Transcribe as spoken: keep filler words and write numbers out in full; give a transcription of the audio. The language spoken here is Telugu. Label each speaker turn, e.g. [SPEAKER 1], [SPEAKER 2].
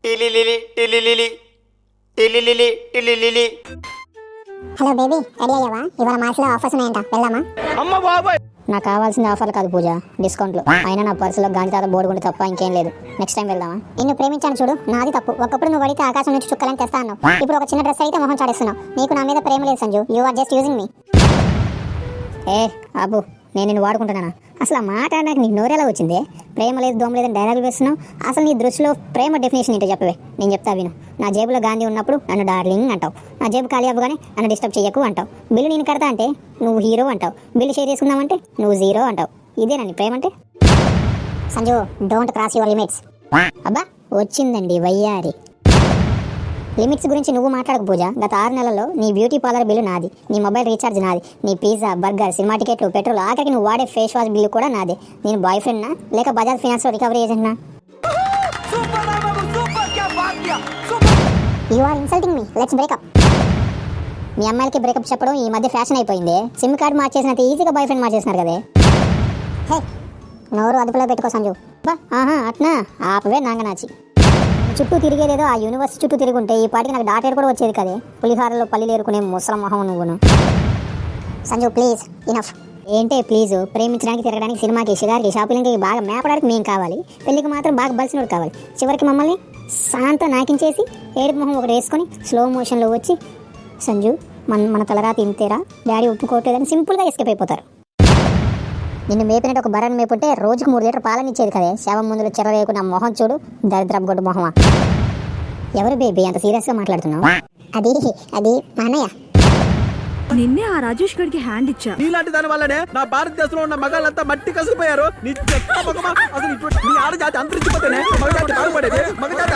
[SPEAKER 1] టిలిలిలి టిలిలిలి టిలిలిలి టిలిలిలి.
[SPEAKER 2] హలో బేబీ, రెడీ అయ్యావా? ఇవాళ మాల్స్లో ఆఫర్స్ ఉన్నాయంట, వెళ్దామా?
[SPEAKER 1] అమ్మ బాబాయ్,
[SPEAKER 3] నాకు కావాల్సింది ఆఫర్లు కాదు పూజ, డిస్కౌంట్లు. అయినా నా పర్సులో గాంధీ తాత బోర్డు ఉంటే తప్ప ఇంకేం లేదు. నెక్స్ట్ టైం వెళ్దామా?
[SPEAKER 2] నిన్ను ప్రేమించాను చూడు, నాది తప్పు. ఒకప్పుడు నువ్వు అడిగితే ఆకాశం నుంచి చుక్కలని తెస్తా అన్నావు. ఇప్పుడు ఒక చిన్న డ్రెస్ అయితే మొహం చాడేస్తున్నావు. నీకు నా మీద ప్రేమ లేదు Sanju, you are just using me.
[SPEAKER 3] ఏ అబ్బు, నేను నిన్ను వాడుకుంటున్నానా? అసలు ఆ మాట నాకు నీకు నోరేలా వచ్చిందే? ప్రేమ లేదు దోమ లేదని డైలాగులు వేస్తున్నావు. అసలు నీ దృష్టిలో ప్రేమ డెఫినేషన్ ఏంటో చెప్పవే, నేను చెప్తా విను. నా జేబులో గాంధీ ఉన్నప్పుడు నన్ను డార్లింగ్ అంటావు. నా జేబు ఖాళీ అవ్వగానే నన్ను డిస్టర్బ్ చేయకు అంటావు. బిల్లు నేను కడతా అంటే నువ్వు హీరో అంటావు. బిల్లు షేర్ చేసుకుందామంటే నువ్వు జీరో అంటావు. ఇదేనండి ప్రేమ అంటే?
[SPEAKER 2] Sanju, don't cross your limits.
[SPEAKER 3] అబ్బా వచ్చిందండి వయ్యారి. లిమిట్స్ గురించి నువ్వు మాట్లాడకు పూజ. గత ఆరు నెలల్లో నీ బ్యూటీ పార్లర్ బిల్లు నాది, నీ మొబైల్ రీఛార్జ్ నాది, నీ పిజ్జా బర్గర్ సినిమా టికెట్లు పెట్రోల్ ఆఖరికి నువ్వు వాడే ఫేస్ వాష్ బిల్లు కూడా నాదే. నేను బాయ్ ఫ్రెండ్నా లేక బజాజ్ ఫైనాన్స్లో రికవరీ ఏజెంట్నా?
[SPEAKER 2] You are insulting me, let's break up.
[SPEAKER 3] మీ అమ్మాయిలకి బ్రేకప్ చెప్పడం ఈ మధ్య ఫ్యాషన్ అయిపోయింది. సిమ్ కార్డ్ మార్చేసినంత ఈజీగా బాయ్ ఫ్రెండ్ మార్చేసినారు కదే.
[SPEAKER 2] హే, నోరు అదుపులో పెట్టుకో సంజు.
[SPEAKER 3] బా ఆహా అట్నా ఆపవే నాంగనాచి. చుట్టూ తిరిగేదేదో ఆ యూనివర్స్ చుట్టూ తిరుగుంటే ఈ పాటికి నాకు డాటేడ్ కూడా వచ్చేది కదే. పులిహారలో పల్లీలు ఏరుకునే ముసలం మొహం నువ్వును.
[SPEAKER 2] Sanju please, enough.
[SPEAKER 3] ఏంటే ప్లీజు? ప్రేమించడానికి తిరగడానికి సినిమాకి షిగారికి షాపింగ్కి బాగా మేపడానికి మేము కావాలి, పెళ్ళికి మాత్రం బాగా బలిసినోడు కావాలి. చివరికి మమ్మల్ని శాంత నాకించేసి ఏడుపు మొహం ఒకటి వేసుకొని స్లో మోషన్లో వచ్చి సంజు మన మన తలరాతి ఇంతేరా డాడీ ఒప్పుకోవట్లేదని సింపుల్గా ఎస్కేప్ అయిపోతారు. నిన్ను మేపినట్టు ఒక బర్రెని మేపుంటే రోజుకు మూడు లీటర్ పాలని ఇచ్చేది కదే. శవం ముందులో చెర వేయకుండా మొహం చూడు, దరిద్రపు గొడ్డు మొహమా. ఎవరు బేబీ అంత సీరియస్గా మాట్లాడుతున్నావు?
[SPEAKER 2] అది అది మా అన్నయ్య.
[SPEAKER 4] నిన్నే ఆ రాజేష్ గడికి హ్యాండ్ ఇచ్చా.
[SPEAKER 5] నీలాంటి దాని వల్లనే నా భారతదేశంలో ఉన్న మగాళ్ళంతా మట్టి కసిపోయారు. నీ చెత్త మగమా, అసలు ఇటువంటి నీ ఆడజాతి అంతరించిపోతేనే మగజాతి బాగుపడేది. మగజాతి